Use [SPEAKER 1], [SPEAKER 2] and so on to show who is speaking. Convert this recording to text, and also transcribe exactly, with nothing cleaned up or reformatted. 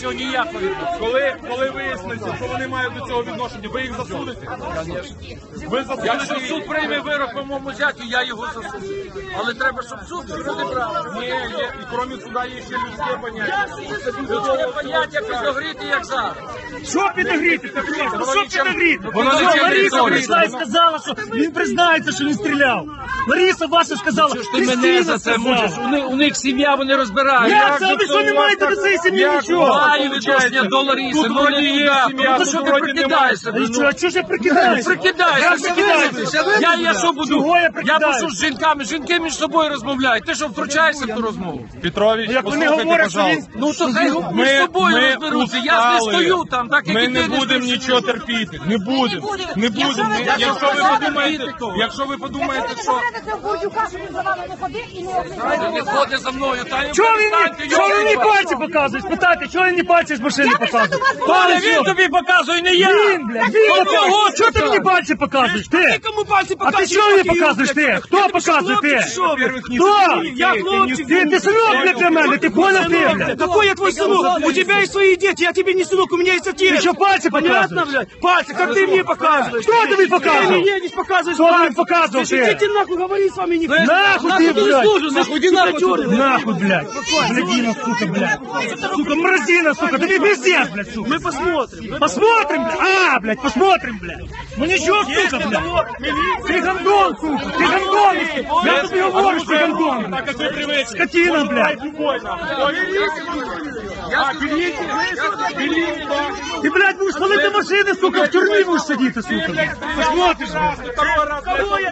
[SPEAKER 1] цього ніякого відношення.
[SPEAKER 2] Коли, коли виясниться, що вони мають до цього відношення, ви їх засудите? Ви засудите
[SPEAKER 1] Якщо
[SPEAKER 2] їх?
[SPEAKER 1] суд прийме вирок по моєму зятю, я його засуджу. Але треба, щоб суд розібрав.
[SPEAKER 2] Ні, є, і крім суда є ще людське поняття.
[SPEAKER 1] Людське поняття підогріти, як зараз.
[SPEAKER 3] Що підогріти? Так, ну, що підогріти?
[SPEAKER 2] Воно
[SPEAKER 3] Що,
[SPEAKER 2] не через
[SPEAKER 3] Лариса
[SPEAKER 2] історію.
[SPEAKER 3] прийшла і сказала, що він признається, що він стріляв. Лариса ваша сказала,
[SPEAKER 1] Що ж ти мене
[SPEAKER 3] Кристина
[SPEAKER 1] за це
[SPEAKER 3] сказала.
[SPEAKER 1] мучиш? У них, у них сім'я, вони розбирають.
[SPEAKER 3] Як це? Ви що не маєте до цієї сім'ї
[SPEAKER 2] Як
[SPEAKER 3] нічого?
[SPEAKER 1] Маю відношення до Лариси,
[SPEAKER 2] Тут
[SPEAKER 1] ну
[SPEAKER 2] вроді
[SPEAKER 1] не
[SPEAKER 2] є
[SPEAKER 1] туди.
[SPEAKER 2] сім'я,
[SPEAKER 1] Ну
[SPEAKER 2] тут
[SPEAKER 1] що ти
[SPEAKER 2] вроді
[SPEAKER 1] прикидаєшся?
[SPEAKER 3] А що, а чого ж я прикидаюся?
[SPEAKER 1] Прикидаєшся,
[SPEAKER 3] Я прикидаюся.
[SPEAKER 1] Я, я що буду?
[SPEAKER 3] Чого я
[SPEAKER 1] Я
[SPEAKER 3] прикидаюся?
[SPEAKER 1] прошу з жінками, жінки між собою розмовляють. Ти що втручаєшся в ту розмову?
[SPEAKER 2] Петрович,
[SPEAKER 3] Як вони
[SPEAKER 2] послухайте,
[SPEAKER 3] говорять, що
[SPEAKER 2] пожалуйста.
[SPEAKER 3] він...
[SPEAKER 1] Ну то хай між собою розберуться. Я ж не
[SPEAKER 2] устали.
[SPEAKER 1] стою там, так як
[SPEAKER 2] Ми
[SPEAKER 1] і
[SPEAKER 2] не
[SPEAKER 1] ти не
[SPEAKER 2] будемо
[SPEAKER 1] стоїш.
[SPEAKER 2] нічого терпіти. Не будемо. Не будемо.
[SPEAKER 4] ви
[SPEAKER 2] Якщо ви
[SPEAKER 4] будете
[SPEAKER 2] подумаєте,
[SPEAKER 1] політику.
[SPEAKER 2] якщо ви подумаєте,
[SPEAKER 4] Якщо
[SPEAKER 2] що
[SPEAKER 4] ви не говорите Бурдюка, що він за вами не ходив і не
[SPEAKER 1] Він
[SPEAKER 4] обмінював.
[SPEAKER 1] ходить за мною, та й
[SPEAKER 3] Чого він
[SPEAKER 1] перестаньте,
[SPEAKER 3] мені, чого він мені
[SPEAKER 1] йолки-палки.
[SPEAKER 3] пальці показує? Спитайте, чого він мені пальці з машини
[SPEAKER 4] Я прийшла
[SPEAKER 3] показує?
[SPEAKER 4] до вас,
[SPEAKER 1] Толя,
[SPEAKER 4] говорю,
[SPEAKER 1] він тобі показує, не я!
[SPEAKER 3] Він, блядь, він
[SPEAKER 1] От
[SPEAKER 3] показує.
[SPEAKER 1] його
[SPEAKER 3] Чого ти мені
[SPEAKER 1] показує.
[SPEAKER 3] пальці показуєш? Ти?
[SPEAKER 1] Кому пальці
[SPEAKER 3] А ти що мені показуєш ти? Хто показує ти?
[SPEAKER 2] во-первых, не
[SPEAKER 3] Хто?
[SPEAKER 2] ты,
[SPEAKER 3] Я
[SPEAKER 2] ты, ты
[SPEAKER 3] хлопчик.
[SPEAKER 2] не
[SPEAKER 3] Ти, ти синок, блядь, для мене, ти понял ти, блядь?
[SPEAKER 5] Какой я твой сынок? У тебя есть свои дети, я тебе не сынок, у меня есть отец.
[SPEAKER 3] Ты что, пальцы
[SPEAKER 5] Понятно,
[SPEAKER 3] показываешь?
[SPEAKER 5] блядь? Пальцы, как ты мне показываешь?
[SPEAKER 3] Кто ты мне показывал?
[SPEAKER 5] Ты мне не показываешь
[SPEAKER 3] Кто ты мне
[SPEAKER 5] пальцы.
[SPEAKER 3] показывал,
[SPEAKER 5] Ты
[SPEAKER 3] ты?
[SPEAKER 5] идите нахуй, говори с вами не
[SPEAKER 3] Нахуй ты, блядь!
[SPEAKER 5] нахуй, иди нахуй.
[SPEAKER 3] Нахуй, блядь! Блядина, сука, блядь! Сука, мразина, сука! Да ты пиздец, блядь, сука!
[SPEAKER 5] Мы посмотрим.
[SPEAKER 3] Посмотрим, блядь! А, блядь, посмотрим, блядь! Ну ничего, сука, блядь! Ты гандон, сука! Ты гандон! Я тебе говорю, что ты гандон!
[SPEAKER 2] так как вы привыкли.
[SPEAKER 3] Скотина, блядь!
[SPEAKER 2] Любой нахуй. А, берите, берите, да.
[SPEAKER 3] Ты, блядь, будешь палити машини, сука, в тюрмі будеш сидіти, сука! Посмотришь, блядь!
[SPEAKER 2] Второй раз.